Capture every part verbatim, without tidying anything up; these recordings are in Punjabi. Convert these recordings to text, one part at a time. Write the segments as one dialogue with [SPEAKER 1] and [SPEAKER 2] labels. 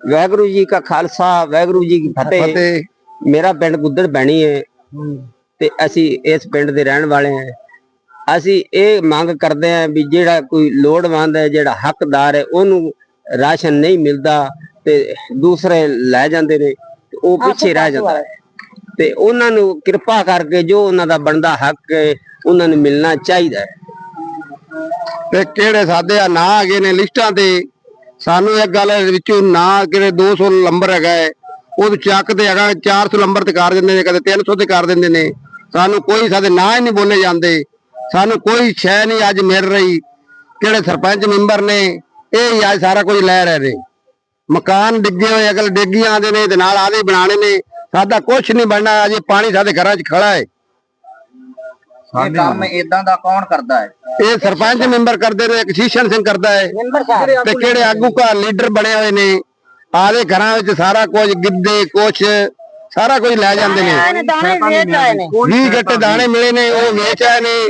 [SPEAKER 1] वाहगुरू जी का खालसा वाहगुरू जी की फतेह। मेरा पिंड गुद्दड़ बैणी है ते असी इस पिंड दे रहन वाले हैं। असी ये मंग करते हैं भी जेड़ा कोई लोड़वंद है जेड़ा हकदार है ओनू राशन नहीं मिलता ते दूसरे लै जांदे ने वो पिछे रह जाता है ते उन्हां नू किरपा करके जो उन्हां दा बनदा हक है उन्हां नू मिलना चाहिए।
[SPEAKER 2] ते किहड़े साडे ना आ ने लिस्टां ते सानू एक गल विचों ना किहड़े दो सौ नंबर हैगा है वो चक ते हैगा चार सौ नंबर ते कर दिंदे ने कदे तीन सौ ते कर दिंदे ने। सानू कोई साडे ना ही नहीं बोले जाते। सानू कोई शै नहीं अज मिल रही। किहड़े सरपंच मैंबर ने ये अज सारा कुछ लै रहे ने। मकान डिगे हुए अगल डिगी आते ने नाल आदे बनाने ने। साडा कुछ नहीं बनना। अज पानी साडे घरां च खड़ा है।
[SPEAKER 3] ये काम इदां दा कौन करदा है?
[SPEAKER 2] ये सरपंच मैंबर करते ने। एक शीशन सिंह करता है ते किहड़े आगू का लीडर बने हुए ने आदे घरां विच सारा कुछ गिद्दे कुछ सारा कुछ लै जांदे ने। बीस गट्टे दाने मिले ने वो वेच आए ने।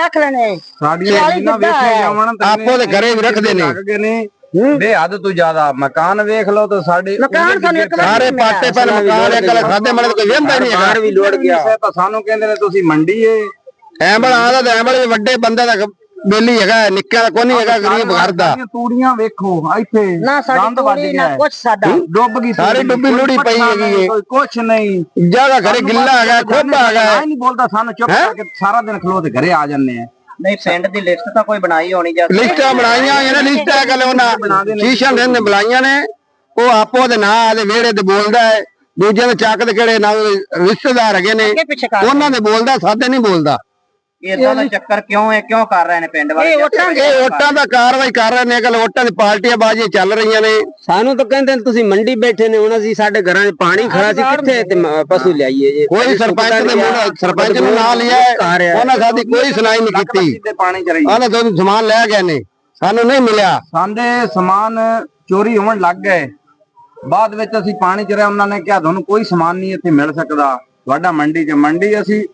[SPEAKER 2] आपो दे घरे भी रखदे ने।
[SPEAKER 4] बेहद तू ज्यादा मकान वेख लो तो साडे
[SPEAKER 2] सारे पाटे पर मकान एक साडे मने कोई वेंदा नहीं है।
[SPEAKER 4] भी लोड़ गया तो सानू कहंदे ने तुसी मंडी है
[SPEAKER 2] एंबल आदा ते एंबल वड्डे बंदे दा बेली हैगा निक्का दा कोनी हैगा गरीब घर दा।
[SPEAKER 4] तूड़ियां वेखो इथे
[SPEAKER 3] ना साडी तूड़ी ना कुछ साडा
[SPEAKER 4] डुब गई
[SPEAKER 2] सारी डुब्बी लुड़ी पई हैगी
[SPEAKER 4] कोई कुछ नहीं
[SPEAKER 2] जगह घरे गिल्ला हैगा खोबा हैगा
[SPEAKER 4] नहीं बोलदा सानू चुप करके सारा दिन खलो ते घरे आ जन्ने हैं।
[SPEAKER 3] नहीं पिंड दी लिस्ट तां कोई बनाई होनी जा
[SPEAKER 2] लिस्टां बनाईयां होईयां ने। लिस्टां कल उन्हां शीशा ने बुलाईयां ने वो आपो दे नां दे वेड़े ते बोलदा है दूजे दे चक दे किहड़े ना रिश्तेदार हैगे ने उन्हां दे बोलदा साडे नहीं बोलदा।
[SPEAKER 3] इदां दा चक्कर क्यों है क्यों कर रहे ने पिंड वाले?
[SPEAKER 2] ਇਹ ਵੋਟਾਂ ਦਾ ਕਾਰਵਾਈ ਕਰ ਰਹੇ ਨੇ ਅਗਲ ਵੋਟਾਂ ਦੀ ਪਾਰਟੀਆਂ ਬਾਜ਼ੀਆਂ ਚੱਲ ਰਹੀਆਂ ਨੇ।
[SPEAKER 1] ਸਾਨੂੰ ਤਾਂ ਕਹਿੰਦੇ ਨੇ ਤੁਸੀਂ ਮੰਡੀ ਬੈਠੇ ਨੇ ਹੁਣ ਅਸੀਂ ਸਾਡੇ ਘਰਾਂ 'ਚ ਪਾਣੀ ਖੜਾ ਸੀ ਕਿੱਥੇ ਤੇ ਪਸ਼ੂ ਲਿਆਈਏ ਜੇ
[SPEAKER 2] ਕੋਈ ਸਰਪੰਚ ਨੇ ਸਰਪੰਚ ਨੂੰ ਨਾਂ ਲਿਆ ਉਹਨਾਂ ਸਾਡੀ ਕੋਈ ਸੁਣਾਈ ਨਹੀਂ ਕੀਤੀ।
[SPEAKER 4] ਪਾਣੀ ਚ ਰਹੀ
[SPEAKER 2] ਉਹਨਾਂ ਤੋਂ ਸਮਾਨ ਲੈ ਗਏ ਨੇ ਸਾਨੂੰ ਨਹੀਂ ਮਿਲਿਆ।
[SPEAKER 4] ਸਾਡੇ ਸਮਾਨ ਚੋਰੀ ਹੋਣ ਲੱਗ ਗਏ ਬਾਅਦ ਵਿੱਚ ਅਸੀਂ ਪਾਣੀ ਚ ਰਹੇ ਉਹਨਾਂ ਨੇ ਕਿਹਾ ਤੁਹਾਨੂੰ ਕੋਈ ਸਮਾਨ ਨਹੀਂ ਇੱਥੇ ਮਿਲ ਸਕਦਾ ਤੁਹਾਡਾ ਮੰਡੀ ਚ। ਮੰਡੀ ਅਸੀਂ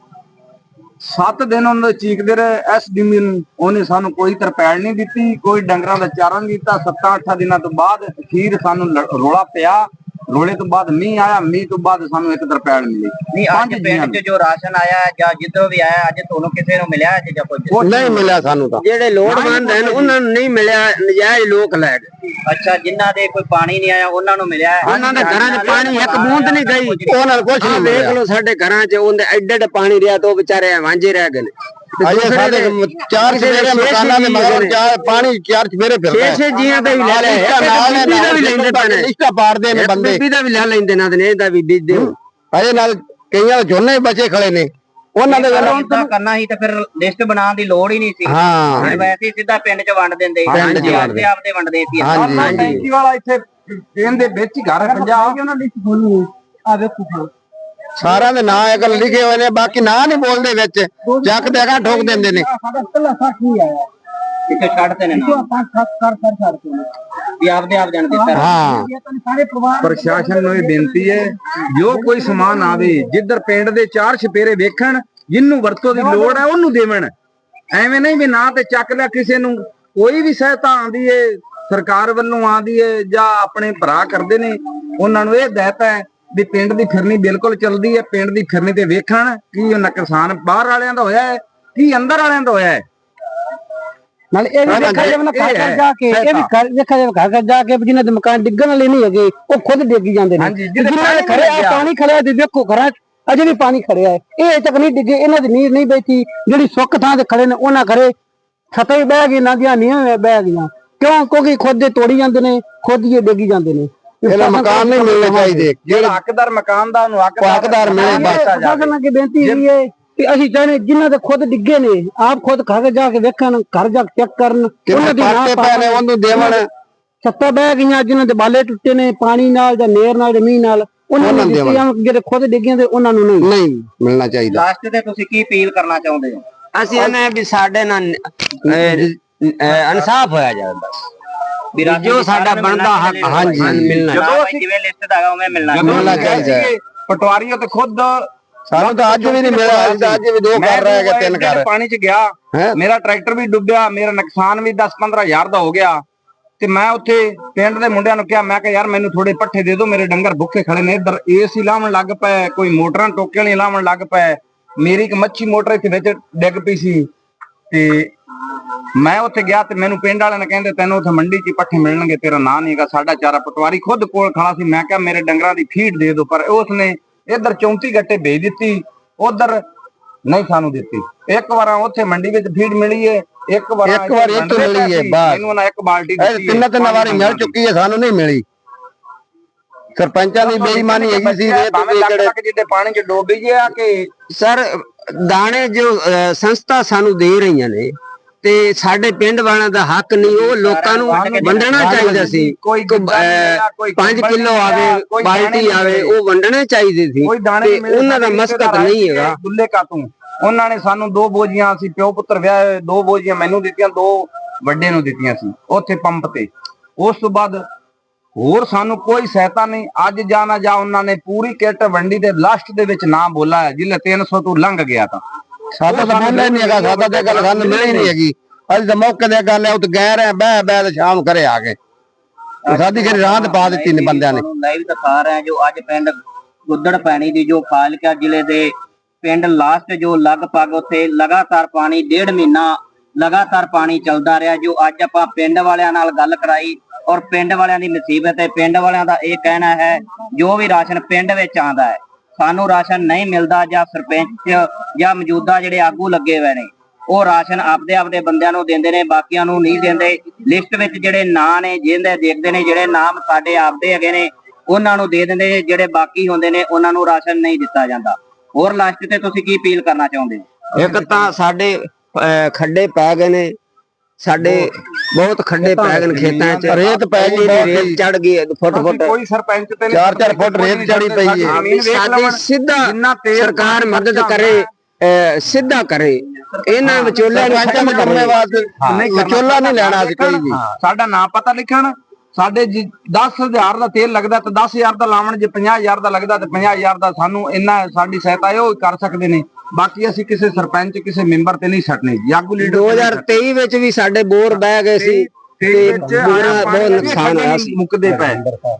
[SPEAKER 4] ਸੱਤ ਦਿਨ ਉਹਨਾਂ ਚੀਕਦੇ ਰਹੇ ਐਸ ਡੀ ਨੂੰ ਉਹਨੇ ਸਾਨੂੰ ਕੋਈ ਤਰਪੈਲ ਨਹੀਂ ਦਿੱਤੀ ਕੋਈ ਡੰਗਰਾਂ ਦਾ ਚਾਰਾ ਨਹੀਂ ਦਿੱਤਾ। ਸੱਤਾਂ ਅੱਠਾਂ ਦਿਨਾਂ ਤੋਂ ਬਾਅਦ ਅਖੀਰ ਸਾਨੂੰ ਰੋਲਾ ਪਿਆ। ਰੋਲੇ ਤੋਂ ਬਾਅਦ ਮੀਂਹ ਆਇਆ ਮੀਂਹ ਤੋਂ ਬਾਅਦ ਸਾਨੂੰ ਇੱਕ ਤਰਪੈਲ ਮਿਲੀ।
[SPEAKER 3] ਨਹੀਂ ਅੱਜ ਪਿੰਡ 'ਚ ਜੋ ਰਾਸ਼ਨ ਆਇਆ ਜਾਂ ਜਿੱਦੋਂ ਵੀ ਆਇਆ ਅੱਜ ਤੁਹਾਨੂੰ ਕਿਸੇ ਨੂੰ ਮਿਲਿਆ ਹੈ ਜਾਂ ਕੋਈ
[SPEAKER 2] ਨਹੀਂ ਮਿਲਿਆ ਸਾਨੂੰ ਤਾਂ
[SPEAKER 1] ਜਿਹੜੇ ਲੋੜਵੰਦ ਹਨ ਉਹਨਾਂ ਨੂੰ ਨਹੀਂ ਮਿਲਿਆ ਨਜਾਇਜ਼ ਲੋਕ ਲੈ ਗਏ।
[SPEAKER 3] ਅੱਛਾ ਜਿਨ੍ਹਾਂ ਦੇ ਕੋਈ ਪਾਣੀ ਨਹੀਂ ਆਇਆ ਉਹਨਾਂ ਨੂੰ ਮਿਲਿਆ ਹੈ।
[SPEAKER 1] ਉਹਨਾਂ ਦੇ ਘਰਾਂ 'ਚ ਪਾਣੀ ਇੱਕ ਬੂੰਦ ਨਹੀਂ ਗਈ
[SPEAKER 2] ਉਹਨਾਂ ਨੂੰ ਕੁਝ ਨਹੀਂ
[SPEAKER 1] ਵੇਖ ਲਓ ਸਾਡੇ ਘਰਾਂ 'ਚ ਉਹਦੇ ਐਡੇ ਐਡੇ ਪਾਣੀ ਰਿਹਾ ਤਾਂ ਉਹ ਵਿਚਾਰੇ ਵਾਂਝੇ ਰਹਿ ਗਏ ਨੇ।
[SPEAKER 2] ਅਜੇ ਸਾਡੇ ਚਾਰ ਸਵੇਰੇ ਮਕਾਨਾਂ ਦੇ ਮਗਰ ਚਾਰ ਪਾਣੀ ਚਾਰ ਸਵੇਰੇ ਫਿਰਦਾ
[SPEAKER 1] ਛੇ ਛੇ ਜੀਆਂ ਦਾ ਵੀ ਲੈ ਲੈ ਨਾਲ ਵੀ ਲੈਂਦੇ ਪਏ ਨੇ
[SPEAKER 2] ਲਿਸਟਾਂ ਪਾੜਦੇ ਨੇ ਬੰਦੇ
[SPEAKER 1] ਬੀਬੀ ਦਾ ਵੀ ਲੈ ਲੈਂਦੇ ਨਾ ਤੇ ਇਹਦਾ ਵੀ ਬੀਜ ਦਿਓ।
[SPEAKER 2] ਅਜੇ ਨਾਲ ਕਈਆਂ ਝੋਨੇ ਬਚੇ ਖੜੇ ਨੇ ਉਹਨਾਂ ਦੇ
[SPEAKER 3] ਇਦਾਂ ਕਰਨਾ ਸੀ ਤਾਂ ਫਿਰ ਲਿਸਟ ਬਣਾਉਣ ਦੀ ਲੋੜ ਹੀ ਨਹੀਂ ਸੀ।
[SPEAKER 2] ਹਾਂ
[SPEAKER 3] ਵੈਸੇ ਸਿੱਧਾ ਪਿੰਡ 'ਚ ਵੰਡ ਦਿੰਦੇ ਆਪਦੇ ਆਪਦੇ ਵੰਡਦੇ ਸੀ।
[SPEAKER 4] ਹਾਂ ਟੈਂਕੀ ਵਾਲਾ ਇੱਥੇ ਇਹਦੇ ਵਿੱਚ ਹੀ ਘਰ ਪੰਜਾਬ ਉਹਨਾਂ ਦੀ ਖੋਲੀ ਆ ਵੇਖੋ
[SPEAKER 2] ਸਾਰਿਆਂ ਦੇ ਨਾਂ ਇੱਕ ਲਿਖੇ ਹੋਏ ਨੇ ਬਾਕੀ ਨਾਂ ਨਹੀਂ ਬੋਲਦੇ ਵਿੱਚ ਚੱਕ ਦੇ ਅਗਾ ਠੋਕ ਦਿੰਦੇ ਨੇ।
[SPEAKER 3] ਇੱਥੇ ਛੱਡਦੇ ਨੇ ਨਾ ਵੀ ਆਪਦੇ ਆਪ ਜਾਣਦੇ ਸਰ।
[SPEAKER 2] ਹਾਂ
[SPEAKER 4] ਪ੍ਰਸ਼ਾਸਨ ਨੂੰ ਇਹ ਬੇਨਤੀ ਹੈ ਜੋ ਕੋਈ ਸਮਾਨ ਆਵੇ ਜਿੱਧਰ ਪਿੰਡ ਦੇ ਚਾਰ ਛਪੇਰੇ ਵੇਖਣ ਜਿੰਨੂੰ ਵਰਤੋਂ ਦੀ ਲੋੜ ਹੈ ਉਹਨੂੰ ਦੇਵਣ। ਐਵੇਂ ਨਹੀਂ ਵੀ ਨਾ ਤੇ ਚੱਕ ਲਿਆ ਕਿਸੇ ਨੂੰ। ਕੋਈ ਵੀ ਸਹਾਇਤਾ ਆਉਂਦੀ ਏ ਸਰਕਾਰ ਵੱਲੋਂ ਆਉਂਦੀ ਏ ਜਾਂ ਆਪਣੇ ਭਰਾ ਕਰਦੇ ਨੇ ਉਹਨਾਂ ਨੂੰ ਇਹ ਹਦਾਇਤ ਹੈ ਵੀ ਪਿੰਡ ਦੀ ਫਿਰਨੀ ਬਿਲਕੁਲ ਚੱਲਦੀ ਹੈ। ਪਿੰਡ ਦੀ ਫਿਰਨੀ ਤੇ ਵੇਖਣ ਕੀ ਨੁਕਸਾਨ ਬਾਹਰ ਵਾਲਿਆਂ ਦਾ ਹੋਇਆ ਹੈ ਕੀ ਅੰਦਰ ਵਾਲਿਆਂ ਦਾ ਹੋਇਆ ਹੈ।
[SPEAKER 5] ਨਾਲ ਇਹ ਵੀ ਦੇਖਿਆ ਜਾਵੇ ਨਾ ਘਰ ਘਰ ਜਾ ਕੇ ਇਹ ਵੀ ਘਰ ਦੇਖਿਆ ਜਾਵੇ ਘਰ ਘਰ ਜਾ ਕੇ ਜਿਨ੍ਹਾਂ ਦੇ ਮਕਾਨ ਡਿੱਗਣ ਵਾਲੇ ਨਹੀਂ ਹੈਗੇ ਉਹ ਖੁਦ ਡਿੱਗੀ ਜਾਂਦੇ ਨੇ। ਜਿਨ੍ਹਾਂ ਦੇ ਖੜੇ ਆ ਪਾਣੀ ਖੜਿਆ ਤੇ ਵੇਖੋ ਘਰਾਂ 'ਚ ਅਜੇ ਵੀ ਪਾਣੀ ਖੜਿਆ ਹੈ। ਇਹ ਤੱਕ ਨਹੀਂ ਡਿੱਗੇ ਇਹਨਾਂ ਦੀ ਨੀਂਹ ਨਹੀਂ ਬੈਠੀ ਜਿਹੜੀ ਸੁੱਕ ਥਾਂ ਤੇ ਖੜੇ ਨੇ ਉਹਨਾਂ ਘਰੇ ਛੱਤਾਂ ਹੀ ਬਹਿ ਗਈ ਨਾ ਦੀਆਂ ਨੀਹਾਂ ਬਹਿ ਗਈਆਂ ਕਿਉਂ ਕਿਉਂਕਿ ਖੁਦ ਦੇ ਤੋੜੀ ਜਾਂਦੇ ਨੇ ਖੁਦ ਹੀ ਡਿੱਗੀ ਜਾਂਦੇ ਨੇ।
[SPEAKER 2] ਇਹਦਾ ਮਕਾਨ ਨਹੀਂ ਮਿਲਣੇ ਚਾਹੀਦੇ
[SPEAKER 4] ਜਿਹੜਾ ਹੱਕਦਾਰ ਮਕਾਨ ਦਾ ਉਹਨੂੰ
[SPEAKER 2] ਹੱਕਦਾਰ ਮਿਲੇ।
[SPEAKER 5] ਪ੍ਰਸ਼ਾਸਨ ਅੱਗੇ ਬੇਨਤੀ ਇਹ ਹੈ ਕਿ ਅਸੀਂ ਚਾਹੁੰਦੇ ਜਿਨ੍ਹਾਂ ਦੇ ਖੁਦ ਡਿੱਗੇ ਨੇ ਆਪ ਖੁਦ ਘਰ ਜਾ ਕੇ ਵੇਖਣ ਘਰ ਜਾ ਕੇ ਚੈੱਕ ਕਰਨ ਉਹਨਾਂ ਦੀ
[SPEAKER 2] ਪਾਟੇ ਪੈ ਨੇ ਉਹਨੂੰ ਦੇਵਣ।
[SPEAKER 5] ਛੱਤਾਂ ਬਹਿ ਗਈਆਂ ਜਿਨ੍ਹਾਂ ਦੇ ਬਾਲੇ ਟੁੱਟੇ ਨੇ ਪਾਣੀ ਨਾਲ ਜਾਂ ਨੇਰ ਨਾਲ ਜਾਂ ਮੀਂਹ ਨਾਲ ਉਹਨਾਂ ਨੂੰ ਜਿਹੜੇ ਖੁਦ ਡਿੱਗੇ ਤੇ ਉਹਨਾਂ ਨੂੰ ਨਹੀਂ
[SPEAKER 2] ਨਹੀਂ ਮਿਲਣਾ ਚਾਹੀਦਾ।
[SPEAKER 3] ਲਾਸਟ ਤੇ ਤੁਸੀਂ ਕੀ ਅਪੀਲ ਕਰਨਾ ਚਾਹੁੰਦੇ ਹੋ?
[SPEAKER 1] ਅਸੀਂ ਇਹਨੇ ਵੀ ਸਾਡੇ ਨਾਲ ਇਨਸਾਫ ਹੋਇਆ ਜਾਵੇ ਬਸ ਜੋ ਸਾਡਾ ਬਣਦਾ ਹੱਕ ਹਾਂਜੀ ਮਿਲਣਾ
[SPEAKER 3] ਜਿਵੇਂ ਲਿਸਟ ਦਾ ਹੈਗਾ ਉਵੇਂ ਮਿਲਣਾ
[SPEAKER 2] ਮਿਲਣਾ ਚਾਹੀਦਾ।
[SPEAKER 4] ਪਟਵਾਰੀ ਤੇ ਖੁਦ
[SPEAKER 2] ਸਾਨੂੰ ਤਾਂ ਅੱਜ ਵੀ ਨਹੀਂ ਮਿਲਿਆ। ਅੱਜ ਵੀ ਦੋ ਕਰ ਰਹੇ ਹੈਗੇ ਤਿੰਨ ਕਰ
[SPEAKER 4] ਪਾਣੀ 'ਚ ਗਿਆ ਮੇਰਾ ਟਰੈਕਟਰ ਵੀ ਡੁੱਬਿਆ ਮੇਰਾ ਨੁਕਸਾਨ ਵੀ ਦਸ ਪੰਦਰਾਂ ਹਜ਼ਾਰ ਦਾ ਹੋ ਗਿਆ ਤੇ ਮੈਂ ਉੱਥੇ ਪਿੰਡ ਦੇ ਮੁੰਡਿਆਂ ਨੂੰ ਕਿਹਾ, ਮੈਂ ਕਿਹਾ ਯਾਰ ਮੈਨੂੰ ਥੋੜੇ ਪੱਠੇ ਦੇ ਦਿਓ, ਮੇਰੇ ਡੰਗਰ ਭੁੱਖੇ ਖੜੇ ਨੇ। ਇੱਧਰ ਏਸੀ ਲਾਉਣ ਲੱਗ ਪਏ, ਕੋਈ ਮੋਟਰਾਂ ਟੋਕੇ ਵਾਲੀਆਂ ਲਾਉਣ ਲੱਗ ਪਏ। ਮੇਰੀ ਇੱਕ ਮੱਛੀ ਮੋਟਰ ਇੱਥੇ ਵਿੱਚ ਡਿੱਗ ਪਈ ਸੀ ਤੇ ਮੈਂ ਉੱਥੇ ਗਿਆ ਤੇ ਮੈਨੂੰ ਪਿੰਡ ਵਾਲਿਆਂ ਨੇ ਕਹਿੰਦੇ ਤੈਨੂੰ ਉੱਥੇ ਮੰਡੀ 'ਚ ਪੱਠੇ ਮਿਲਣਗੇ, ਤੇਰਾ ਨਾਂ ਨਹੀਂਗਾ। ਸਾਡਾ ਚਾਰਾ ਪਟਵਾਰੀ ਖੁਦ ਕੋਲ ਖੜਾ ਸੀ। ਮੈਂ ਕਿਹਾ ਮੇਰੇ ਡੰਗਰਾਂ ਦੀ ਫੀਡ ਦੇ ਦਿਓ, ਪਰ ਉਸਨੇ ਇੱਧਰ ਚੌਂਤੀ ਗੱਟੇ ਭੇਜ ਦਿੱਤੀ, ਉਧਰ ਨਹੀਂ ਸਾਨੂੰ ਦਿੱਤੀ। ਇੱਕ ਵਾਰ ਉੱਥੇ ਮੰਡੀ ਵਿੱਚ ਫੀਡ ਮਿਲੀ ਏ, ਇੱਕ ਵਾਰ
[SPEAKER 2] ਇੱਕ ਵਾਰ ਇੱਥੋਂ ਮਿਲੀ ਏ, ਬਸ
[SPEAKER 4] ਮੈਨੂੰ ਨਾ ਇੱਕ ਬਾਲਟੀ ਦਿੱਤੀ।
[SPEAKER 2] ਤਿੰਨ ਤਿੰਨ ਵਾਰੀ ਮਿਲ ਚੁੱਕੀ ਹੈ, ਸਾਨੂੰ ਨਹੀਂ ਮਿਲੀ। ਸਰਪੰਚਾਂ ਦੀ ਬੇਈਮਾਨੀ ਹੈਗੀ ਸੀ।
[SPEAKER 4] ਜਿਹੜੇ ਪਾਣੀ 'ਚ ਡੋਬ ਗਏ ਆ ਕਿ
[SPEAKER 1] ਸਰ ਦਾਣੇ ਜੋ ਅਹ, ਸੰਸਥਾ ਸਾਨੂੰ ਦੇ ਰਹੀਆਂ ਨੇ ਤੇ ਸਾਡੇ ਪਿੰਡ ਵਾਲਿਆਂ ਦਾ ਹੱਕ ਨਹੀਂ, ਉਹ ਲੋਕਾਂ ਨੂੰ ਵੰਡਣਾ ਚਾਹੀਦਾ ਸੀ।
[SPEAKER 4] ਕੋਈ
[SPEAKER 1] ਪੰਜ ਕਿਲੋ ਆਵੇ, ਬਾਲਟੀ ਆਵੇ, ਉਹ ਵੰਡਣੇ ਚਾਹੀਦੇ ਸੀ ਤੇ ਉਹਨਾਂ ਦਾ ਮਸਕਤ ਨਹੀਂ ਹੈਗਾ।
[SPEAKER 4] ਦੁੱਲੇ ਕਾ ਤੂੰ ਉਹਨਾਂ ਨੇ ਸਾਨੂੰ ਦੋ ਬੋਝੀਆਂ, ਅਸੀਂ ਪਿਓ ਪੁੱਤਰ ਵਿਆਹ, ਦੋ ਬੋਝੀਆਂ ਮੈਨੂੰ ਦਿੱਤੀਆਂ, ਦੋ ਵੱਡੇ ਨੂੰ ਦਿੱਤੀਆਂ ਸੀ ਉੱਥੇ ਪੰਪ ਤੇ। ਉਸ ਤੋਂ ਬਾਅਦ ਹੋਰ ਸਾਨੂੰ ਕੋਈ ਸਹਾਇਤਾ ਨਹੀਂ। ਅੱਜ ਜਾ ਨਾ ਜਾ ਉਹਨਾਂ ਨੇ ਪੂਰੀ ਕਿੱਟ ਵੰਡੀ ਤੇ ਲਾਸਟ ਦੇ ਵਿੱਚ ਨਾ ਬੋਲਾ ਜਿਲੇ ਤਿੰਨ ਸੌ ਤੋਂ ਲੰਘ ਗਿਆ ਤਾਂ
[SPEAKER 2] ਸਾਡਾ ਤਾਂ ਮਿਲਣਾ ਹੀ ਨਹੀਂ ਹੈਗਾ। ਸਾਡਾ ਤੇ ਗੱਲ ਸਾਨੂੰ ਮਿਲੀ ਨਹੀਂ ਹੈਗੀ। ਅਸੀਂ ਤਾਂ ਮੌਕੇ ਤੇ ਗੱਲ ਹੈ ਉੱਥੇ ਗਏ ਰਹੇ, ਬਹਿ ਬਹਿ ਤੇ ਸ਼ਾਮ ਘਰੇ ਆ ਗਏ। ਸਾਡੀ ਜਿਹੜੀ ਰਾਤ ਪਾ ਦਿੱਤੀ ਨੇ ਬੰਦਿਆਂ ਨੇ।
[SPEAKER 3] ਲਾਈਵ ਦਿਖਾ ਰਹੇ ਜੋ ਅੱਜ ਪਿੰਡ ਗੁੱਦੜ ਪੈਣੀ ਦੀ ਜੋ ਫਾਜ਼ਿਲਕਾ ਜ਼ਿਲ੍ਹੇ ਦੇ ਪਿੰਡ ਲਾਸਟ ਜੋ ਲਗਭਗ ਉੱਥੇ ਲਗਾਤਾਰ ਪਾਣੀ ਡੇਢ ਮਹੀਨਾ ਲਗਾਤਾਰ ਪਾਣੀ ਚੱਲਦਾ ਰਿਹਾ। ਜੋ ਅੱਜ ਆਪਾਂ ਪਿੰਡ ਵਾਲਿਆਂ ਨਾਲ ਗੱਲ ਕਰਾਈ ਔਰ ਪਿੰਡ ਵਾਲਿਆਂ ਦੀ ਮੁਸੀਬਤ ਹੈ। ਪਿੰਡ ਵਾਲਿਆਂ ਦਾ ਇਹ ਕਹਿਣਾ ਹੈ ਜੋ ਵੀ ਰਾਸ਼ਨ ਪਿੰਡ ਵਿੱਚ ਆਉਂਦਾ ਹੈ ਸਾਨੂੰ ਰਾਸ਼ਨ ਨਹੀਂ ਮਿਲਦਾ, ਜਾਂ ਸਰਪੰਚ ਜਾਂ ਮੌਜੂਦਾ ਜਿਹੜੇ ਆਗੂ ਲੱਗੇ ਹੋਏ ਨੇ ਉਹ ਰਾਸ਼ਨ ਆਪਦੇ ਆਪਦੇ ਬੰਦਿਆਂ ਨੂੰ ਦਿੰਦੇ ਨੇ, ਬਾਕੀਆਂ ਨੂੰ ਨਹੀਂ ਦਿੰਦੇ। ਲਿਸਟ ਵਿੱਚ ਜਿਹੜੇ ਨਾਂ ਨੇ ਜਿਹਦੇ ਦੇਖਦੇ ਨੇ, ਜਿਹੜੇ ਨਾਮ ਸਾਡੇ ਆਪਦੇ ਹੈਗੇ ਨੇ ਉਹਨਾਂ ਨੂੰ ਦੇ ਦਿੰਦੇ ਨੇ, ਜਿਹੜੇ ਬਾਕੀ ਹੁੰਦੇ ਨੇ ਉਹਨਾਂ ਨੂੰ ਰਾਸ਼ਨ ਨਹੀਂ ਦਿੱਤਾ ਜਾਂਦਾ। ਹੋਰ ਲਾਸਟ ਤੇ ਤੁਸੀਂ ਕੀ ਅਪੀਲ ਕਰਨਾ ਚਾਹੁੰਦੇ ਹੋ?
[SPEAKER 1] ਇੱਕ ਤਾਂ ਸਾਡੇ ਅਹ, ਖੱਡੇ ਪੈ ਗਏ ਨੇ, ਸਾਡੇ ਬਹੁਤ ਖੱਡੇ ਪੈ ਗਏ ਨੇ ਖੇਤਾਂ 'ਚ,
[SPEAKER 2] ਰੇਤ ਪੈ ਗਈ,
[SPEAKER 1] ਰੇਤ ਚੜ ਗਈ ਫੁੱਟ ਫੁੱਟ,
[SPEAKER 4] ਕੋਈ ਸਰਪੰਚ ਤੇ
[SPEAKER 2] ਚਾਰ ਚਾਰ ਫੁੱਟ ਰੇਤ ਚੜੀ ਪਈ ਹੈ।
[SPEAKER 1] ਸਾਡੀ ਸਿੱਧਾ ਸਰਕਾਰ ਮਦਦ ਕਰੇ, ਅਹ, ਸਿੱਧਾ ਕਰੇ। ਇਹਨਾਂ ਵਿਚੋਲਿਆਂ ਨੂੰ ਖਤਮ ਕਰਨੇ ਵਾਸਤੇ
[SPEAKER 2] ਵਿਚੋਲਾ ਨਹੀਂ ਲੈਣਾ ਸੀ ਕੋਈ ਵੀ।
[SPEAKER 4] ਸਾਡਾ ਨਾਂ ਪਤਾ ਲਿਖਣ। ਸਾਡੇ ਜੀ ਦਸ ਹਜ਼ਾਰ ਦਾ ਤੇਲ ਲੱਗਦਾ ਤੇ ਦਸ ਹਜ਼ਾਰ ਦਾ ਲਾਵਣ, ਜੇ ਪੰਜਾਹ ਹਜ਼ਾਰ ਦਾ ਲੱਗਦਾ ਤੇ ਪੰਜਾਹ ਹਜ਼ਾਰ ਦਾ ਸਾਨੂੰ ਇੰਨਾ ਸਾਡੀ ਸਹਾਇਤਾ ਉਹ ਕਰ ਸਕਦੇ ਨੇ। ਬਾਕੀ ਅਸੀਂ ਕਿਸੇ ਸਰਪੰਚ ਕਿਸੇ ਮੈਂਬਰ ਤੇ ਨਹੀਂ ਛੱਡਨੇ। ਆਗੂ ਲੀਡਰ
[SPEAKER 1] ਦੋ ਹਜ਼ਾਰ ਤੇਈ ਵਿੱਚ ਵੀ ਸਾਡੇ ਬੋਰ ਬਹਿ ਗਏ ਸੀ ਤੇ ਬਹੁਤ ਨੁਕਸਾਨ ਹੋਇਆ ਸੀ।
[SPEAKER 4] ਮੁੱਕਦੇ ਪਏ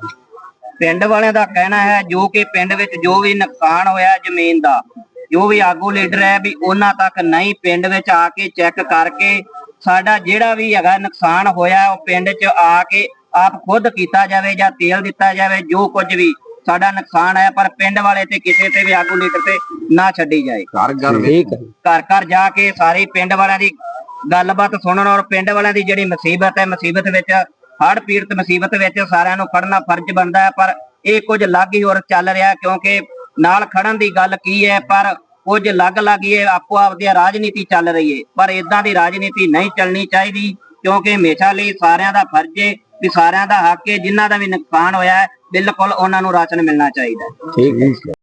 [SPEAKER 3] ਪਿੰਡ ਵਾਲਿਆਂ ਦਾ ਕਹਿਣਾ ਹੈ ਜੋ ਕਿ ਪਿੰਡ ਵਿੱਚ ਜੋ ਵੀ ਨੁਕਸਾਨ ਹੋਇਆ ਜ਼ਮੀਨ ਦਾ, ਜੋ ਵੀ ਆਗੂ ਲੀਡਰ ਹੈ ਵੀ ਉਹਨਾਂ ਤੱਕ ਨਹੀਂ ਪਿੰਡ ਵਿੱਚ ਆ ਕੇ ਚੈੱਕ ਕਰਕੇ ਸਾਡਾ ਜਿਹੜਾ ਵੀ ਹੈਗਾ ਨੁਕਸਾਨ ਹੋਇਆ ਉਹ ਪਿੰਡ 'ਚ ਆ ਕੇ ਆਪ ਖੁਦ ਕੀਤਾ ਜਾਵੇ ਜਾਂ ਤੇਲ ਦਿੱਤਾ ਜਾਵੇ, ਜੋ ਕੁਝ ਵੀ ਸਾਡਾ ਨੁਕਸਾਨ ਹੈ। ਪਰ ਪਿੰਡ ਵਾਲੇ ਤੇ ਕਿਸੇ ਤੇ ਵੀ ਆਗੂ ਲੀਡਰ ਤੇ ਨਾ ਛੱਡੀ ਜਾਏ।
[SPEAKER 4] ਘਰ ਘਰ
[SPEAKER 3] ਘਰ ਘਰ ਜਾ ਕੇ ਸਾਰੇ ਪਿੰਡ ਵਾਲਿਆਂ ਦੀ ਗੱਲਬਾਤ ਸੁਣਨ ਔਰ ਪਿੰਡ ਵਾਲਿਆਂ ਦੀ ਜਿਹੜੀ ਮੁਸੀਬਤ ਹੈ, ਮੁਸੀਬਤ ਵਿੱਚ ਹੜ੍ਹ ਪੀੜਤ ਮੁਸੀਬਤ ਵਿੱਚ ਸਾਰਿਆਂ ਨੂੰ ਖੜਨਾ ਫਰਜ਼ ਬਣਦਾ ਹੈ। ਪਰ ਇਹ ਕੁਝ ਅਲੱਗ ਹੀ ਹੋਰ ਚੱਲ ਰਿਹਾ, ਕਿਉਂਕਿ ਨਾਲ ਖੜਨ ਦੀ ਗੱਲ ਕੀ ਹੈ ਪਰ ਕੁਝ ਅਲੱਗ ਅਲੱਗ ਹੀ ਆਪੋ ਆਪਦੀ ਰਾਜਨੀਤੀ ਚੱਲ ਰਹੀ ਹੈ। ਪਰ ਇਦਾਂ ਦੀ ਰਾਜਨੀਤੀ ਨਹੀਂ ਚੱਲਣੀ ਚਾਹੀਦੀ, ਕਿਉਂਕਿ ਹਮੇਸ਼ਾ ਲਈ ਸਾਰਿਆਂ ਦਾ ਫਰਜ਼ ਹੈ ਵੀ ਸਾਰਿਆਂ ਦਾ ਹੱਕ ਹੈ। ਜਿਨ੍ਹਾਂ ਦਾ ਵੀ ਨੁਕਸਾਨ ਹੋਇਆ ਹੈ ਬਿਲਕੁਲ ਉਹਨਾਂ ਨੂੰ ਰਾਸ਼ਨ ਮਿਲਣਾ ਚਾਹੀਦਾ।
[SPEAKER 1] ਠੀਕ ਹੈ।